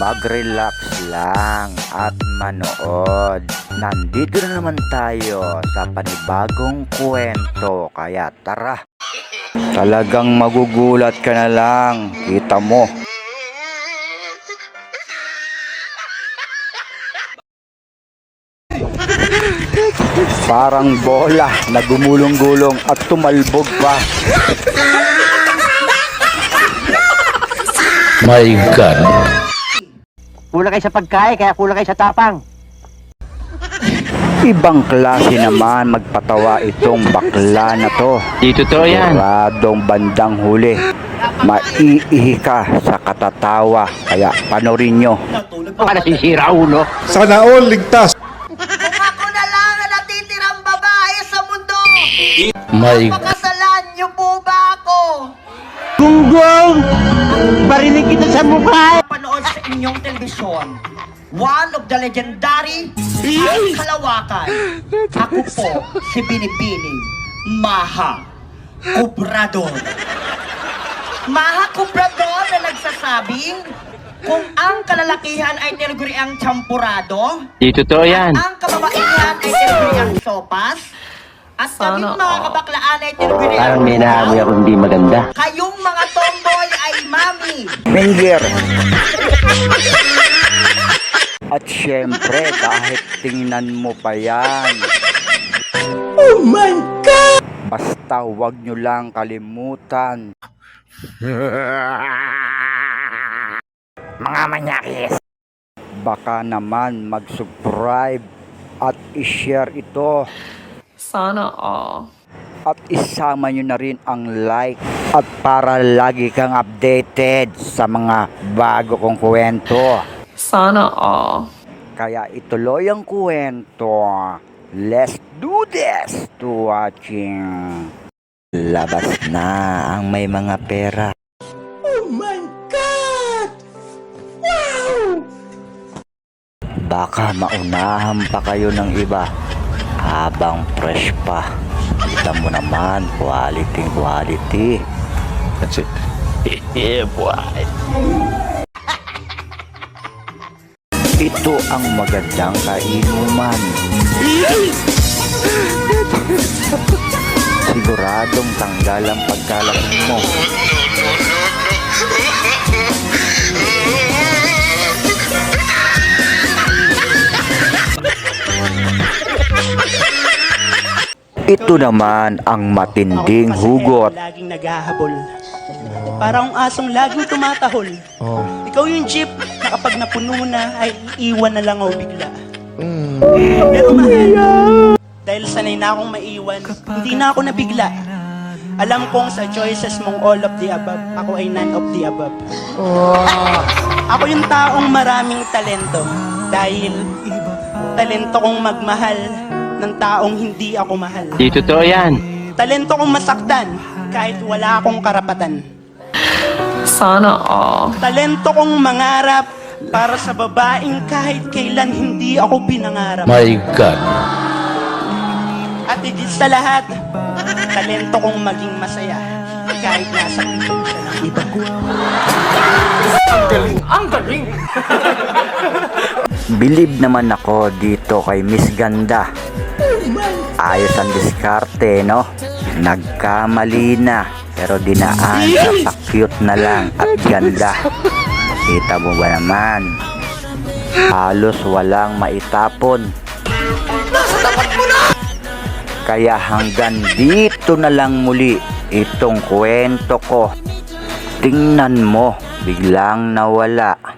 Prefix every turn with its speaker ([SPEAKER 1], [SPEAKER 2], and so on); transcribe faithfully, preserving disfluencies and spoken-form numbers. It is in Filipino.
[SPEAKER 1] mag-relax lang at manood. Nandito na naman tayo sa panibagong kwento, kaya tara. Talagang magugulat ka na lang, kita mo. Parang bola na gumulong-gulong at tumalbog pa.
[SPEAKER 2] My God.
[SPEAKER 3] Kulang kayo sa pagkain, kaya kulang kayo sa tapang.
[SPEAKER 1] Ibang klase naman magpatawa itong bakla na to.
[SPEAKER 2] Di totoo yan.
[SPEAKER 1] Siguradong bandang huli, maiihi ka sa katatawa. Kaya panorin nyo.
[SPEAKER 3] Baka nasisira ulo.
[SPEAKER 4] Sana all ligtas.
[SPEAKER 5] Kung ako na lang ang natitirang babae sa mundo,
[SPEAKER 2] My
[SPEAKER 5] pakasalan niyo po ba ako?
[SPEAKER 3] Gunggong! Barinig kita sa mukha!
[SPEAKER 5] Panood sa inyong telebisyon, one of the legendary ang Kalawakan. Ako po si Binibining Maha Cobrador. Maha Cobrador na nagsasabing kung ang kalalakihan ay tinaguriang champurado,
[SPEAKER 2] Di totoo yan.
[SPEAKER 5] ang kababaihan ay tinaguriang sopas, at kaming mga kabaklaan ay tinaguriang
[SPEAKER 3] Parang may naamoy ako hindi maganda.
[SPEAKER 5] kayong mga tomboy ay mami.
[SPEAKER 1] Finger. At syempre, kahit tingnan mo pa yan. Oh my God! Basta huwag nyo lang kalimutan. Mga manyakis, baka naman mag-subscribe at i-share ito.
[SPEAKER 6] Sana all.
[SPEAKER 1] At isama nyo na rin ang like at para lagi kang updated sa mga bago kong kwento.
[SPEAKER 6] Sana all.
[SPEAKER 1] Kaya ituloy ang kwento. Let's do this to watching. Labas na ang may mga pera. Oh my God! Wow! Baka maunahan pa kayo ng iba habang fresh pa. Kita mo naman, quality, quality.
[SPEAKER 2] That's it. Yeah, boy.
[SPEAKER 1] Ito ang magandang kainuman. Siguradong tanggal ang pagkalasing mo. Ito naman ang matinding hugot.
[SPEAKER 7] Laging naghahabol. Parang asong laging tumatahol. Ikaw yung jeep na kapag napuno na ay iiwan na lang ako bigla. Pero mahal, dahil sanay na akong maiwan, hindi na ako nabigla. Alam kong sa choices mong all of the above, ako ay none of the above. Ako yung taong maraming talento dahil talento kong magmahal ng taong hindi ako mahal.
[SPEAKER 2] Di totoo yan.
[SPEAKER 7] Talento kong masaktan kahit wala akong karapatan.
[SPEAKER 6] Sana all.
[SPEAKER 7] Talento kong mangarap para sa babaeng kahit kailan hindi ako pinangarap.
[SPEAKER 2] My God.
[SPEAKER 7] At higit sa lahat, talento kong maging masaya kahit nasa piling siya ng iba.
[SPEAKER 1] Believe naman ako dito kay Miss Ganda. Ayos ang diskarte, no? Nagkamali na, pero dinaan sa pa-cute na lang at ganda. Kita mo ba naman? Halos walang maitapon. Kaya hanggang dito na lang muli itong kwento ko. Tingnan mo, biglang nawala.